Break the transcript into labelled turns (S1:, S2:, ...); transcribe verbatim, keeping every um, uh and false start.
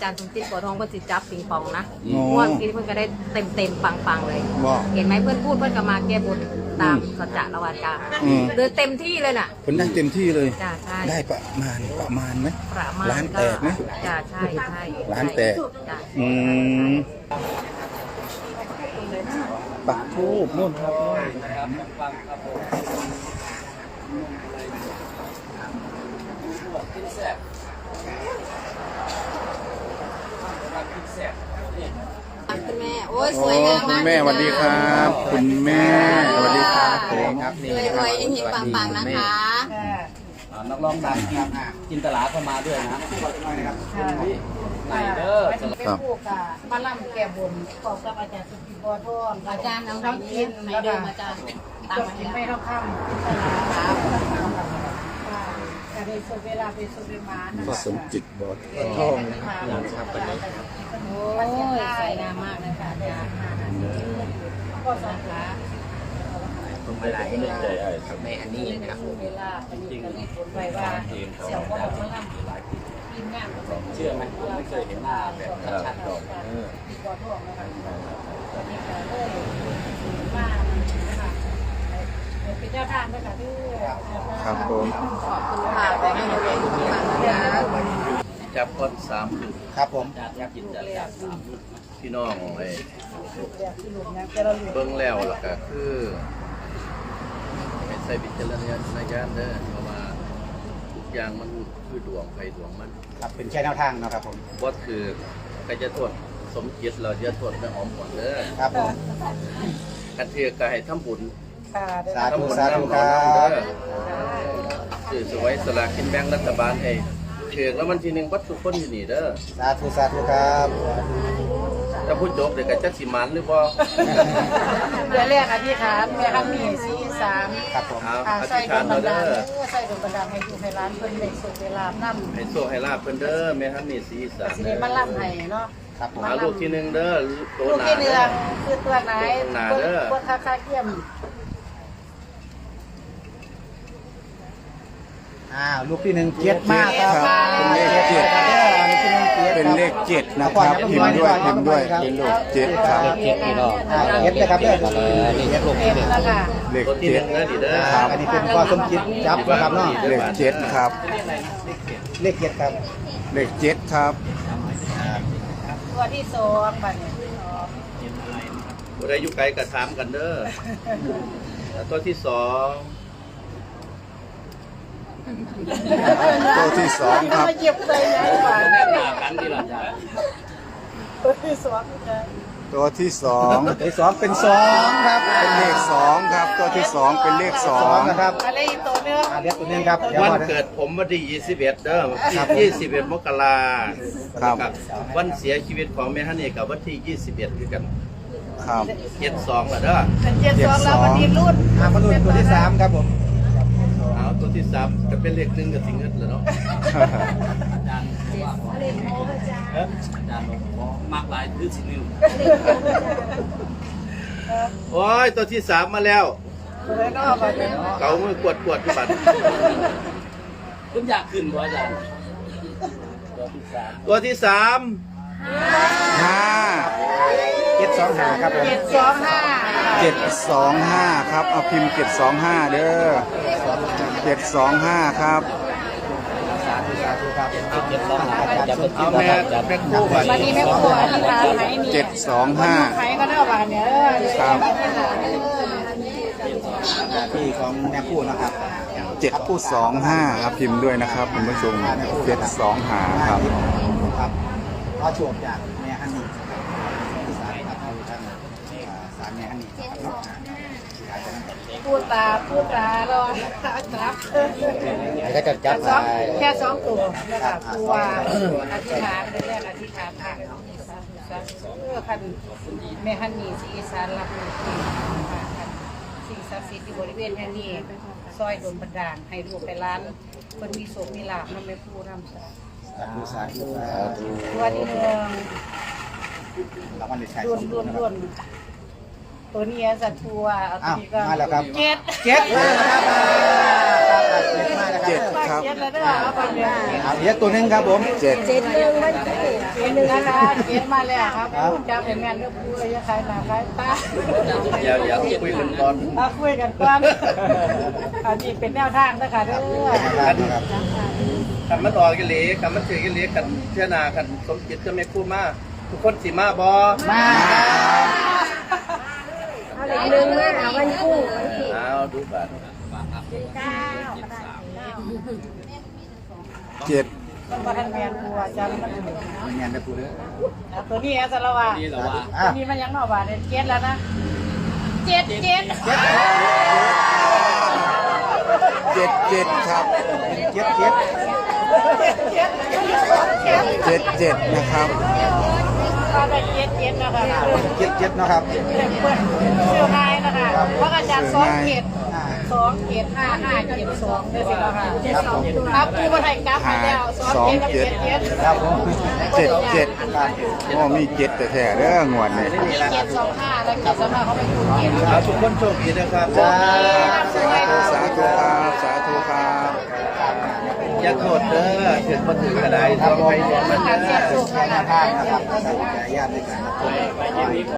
S1: จารย์สมจิตบัวทองเพื่อนสิจับปิงปองนะม่วนกินเพื่อนก็ได้เต็มเต็มปังปังเลยเห็นไหมเพื่อนพูดเพื่อนก็มาแก้บนตามสัจจะละวาจาเดินเต็มที่เลยน่ะ
S2: เพิ่นได้เต็มที่เลย
S1: จ้าใช่
S2: ได้ประมาณประมาณไหม
S1: ประมาณ
S2: ร้านแตกไหม
S1: จ้าใช่ใช่
S2: ร้านแตกอืมปักทูบนู่นครับ
S1: คุณแม่โอ้ยสวยงามมาก
S2: คุณแม่สวัสดีครับคุณแม่สวัสดีครับผมครับ
S1: รวยรวยเฮงๆปังๆนะคะ
S3: นักร้องดังจินตลาเข้ามาด้วยนะไหนเด้อ
S1: เป็นผู้กับมาล่ำแก้บนขอบกับอาจารย์สุกิบัวทองอาจารย์น้องน้องเย็นไหนเดิมอาจารย์ตามมาไม่ต้องข้ามครับในสุดเวลาเป็นสุดเวลา
S2: ก็สมจิตบอดทอง
S1: นะครับวันนี้โอ้ยสวยงามมากเลยค่ะอาจารย์ก็สาขา
S3: ผมไม่ได้ไม่ใจไอ้ครับแม่อันนี้นะครับ
S1: จริงๆผลไว้ว่าเสี่ยวก็บอกว่าล่ำทีมงาน
S3: เชื่อไหมผมไม่เคยเห็นหน้าแบบชัดๆหรอก
S1: ที่บัวทองนะคะตอนนี้ก็เลยมานะคะเป็นเจ้าทางด้วยค่ะที่
S2: ครับผม
S1: ขอบคุณค่ะขอให้หนูเป็นผู้ฟังนะคะ
S3: จับคนสามคือ
S2: ครับผม
S3: จับจิตจับสามพี่น้องไอ้เบิ้งแล้วล่ะก็คือใส่บิจารณญาณเด้อเพราะว่าทุกอย่างมันคือดวงไฟดวงมัน
S2: ครับเป็นแค่แนวทางนะครับผม
S3: บอสคือใครจะทวดสมจิตเราจะทวดไม่หอมหวนเด้อ
S2: ครับผม
S3: กันเทือกให้ทำบุญ
S2: สาธุสาธุครับ
S3: สื่อสวยสลากกินแบ่งรัฐบาลให้เถือกแล้วมันทีหนึ่งวัดทุกคนอยู่นี่เด้อ
S2: สาธุสาธุครับ
S3: ถ้าพูดจบเดี๋ยวก็จะสิมันหรือเปล่า
S1: เดี๋ยวเรียกอธิษฐานแม่ฮันนี่สีสาม
S2: ครับผม
S3: อธิษฐานเราเด้อ
S1: ใส่ดวงบันดาลให้อยู่ให้ร้านเพิ่นได้สุขเวลานั่
S3: ให้โชคให้ลาบเพิ่นเด้อแม่ฮันนี่สีสาม
S1: สิได้มาล่ำให้เนาะ
S3: ครับผมลูกที่หนึ่งเด้อ
S1: ตัวหนาลูกที่หนึ่งคือตัวไหนตัวคาคาเกี่ยม
S2: อ่าลูกที่หนึ่งเจ็ดมากครับเป็นเลขเจ็ดเป็นเลขเจ็ดนะครับพิมพ์ด้วยพิมพ์ด้วยเป็นลูกเจ็ดครับ
S3: เลขเจ็ดพี่น้อง
S2: เจ็ดนะครับเนี่ย
S3: เลขลูกที่หนึ่ง
S2: เลขเจ็ดครับอันนี้เป็นข้อสมคิดจับนะครับเนาะเลขเจ็ดครับเลขเจ็ดครับเลขเจ็ดครับ
S1: ตัวที่สองบัดนี้
S3: ผู้ใดอยู่ไกลก็ถามกันเด้อตัวที่สอง
S2: ตัวที่สองครับ
S1: เหยียบเลยนะ
S3: แน่นหนากันดีหรอจ๊ะ
S1: ตัวที่สอง
S2: ตัวที่สองตัวที่สองเป็นสองครับเป็นเลขสองครับตัวที่สองเป็นเลขสองนะครับ
S1: อะไรอีกตัวนึง
S2: เลขตัวนึงครับ
S3: วันเกิดผมวันที่ยี่สิบเอ็ดเด้อยี่สิบเอ็ดมกรา
S2: ครับ
S3: วันเสียชีวิตของแม่ฮันนี่กับวันที่ยี่สิบเอ็ดคือกัน
S2: ครับ
S3: เจ็ดสองอ่ะเด้อ
S1: เจ็ดสองแล้ววันนี้รุ่น
S2: อ่ามารุ่นตัวที่สามครับผม
S3: เอาตัวที่สามจะเป็นเลขหนึ่งกับสิ่งเงินเลยเนาะอาจารย์เลขโอ้อาจารย์อาจารย์มากหลายคือสิ่งหนึ่งโอ้ยตัวที่สามมาแล้วเก่ามือกวดกวดที่บัตรคุณอยากขึ้นบ่อาจารย์ตัวที่สาม
S2: ห้าเจ็ดสองห้าครับ
S1: เจ็ดสองห้า
S2: เจ็ดสองห้าครับเอาพิมพ์เจ็ดสองห้าเด้อเจ็ดสองห้าครับ
S3: สาธุสาธุครับเจ็ดสองห้าจะเป็นที่แม่จะเป็นคู่
S1: วันนี้แม่ครัวอธิษฐานให้มี
S2: เจ็ดสองห้า
S1: ใครก็ได้บานเนี่ย
S2: ครับที่ของแม่คู่นะครับเจ็ดคู่สองห้าครับพิมพ์ด้วยนะครับคุณผู้ชมเจ็ดสองห้าครับครับขอโชคจากแม่ฮันนี่สายครับท่านสายแม่ฮันนี่
S1: พูดตาพูดตารอจับ
S2: ก็จะจับ
S1: แค่สองตัวนะคะตัวอธิษฐานแรกอธิษฐานค่ะเพื่อคันแม่ฮันนี่สีสารรับมือสิ่งศักดิ์สิทธิ์ที่บริเวณแห่งนี้ซอยโดนบันดาลให้ลูกไปร้านคนมีโศกมีลาภนั่นไม่พูดน้ำสา
S2: ธุสาธุ
S1: ตัวที่หนึ่งรุ่นรุ่นรุ่นตัวนี้สัตว์ทัวเอาตัวนี้ก็เจ็ด
S2: เจ็ดเจ็ดครับ
S1: เจ็ดแล้วเด้อเอาไปเลย
S2: เอาเยอะตัวนึงครับผมเจ็ด
S1: เจ็ดหนึ่งมันเจ็ดหนึ่งนะคะเก็บมาแล้วครับจะเป็นแม่เลือกผู้เลยใครหนาใครตา
S3: อย่าอย่าคุยกันก่อน
S1: มาคุยกันก่อนอันนี้เป็นแนวทางนะคะเด้อ
S3: กันมันออกกันเลยกันมันถือกันเลยกันเชื่อนากันสมจิตจะไม่คู่มาทุกคนสิมาบอ
S1: มา
S4: เอาเหล็กหนึ่งมาเอาวันกุ้ง
S3: เอาดูบัตร
S2: เจ็ด
S1: ต้องมาทันแมนกูอาจารย์มัน
S2: ไม่งานแม่ครูเด้อ
S1: ตัวนี้สารวัตร
S3: นี่แหละว่า
S1: ตัวนี้มันยังหน่อบาทเจ็ดแล้วนะเจ็ดเจ็ด
S2: เจ็ดเจ็ดครับ
S3: เจ็ดเจ็ด
S2: เจ็ดเจ็ดนะครับ
S1: ก็ได้เจ็ดเจ็ดนะคะ
S2: เจ็ดเจ็ดนะครับ
S1: เปิดเชื่อง่ายนะคะเพราะอาจารย์สองเจ็ดสองเจ็ดห้าห้าเจ็ดสองเนี่ยสิคะครับกูมาไทยกลับมาแล้วสองเจ็ดกับเจ็ดเจ็ด
S2: ครับผมเจ็ดเจ็ดโอ้มีเจ็ดแต่แท้ๆเด้องวดนี่
S1: มีเจ็ดสองห้าแล้วเจ็ดสองห้าเขาไปดูเจ็ด
S3: เอาทุกคนโชคดีนะครับ
S2: สาธุสาธุครับสาธุครับ
S3: อย่าโทษเด้อถึงมาถึงกระไดต้องไปมันเด้อ
S2: แค่หน้าทางนะครับญาติด้วยกัน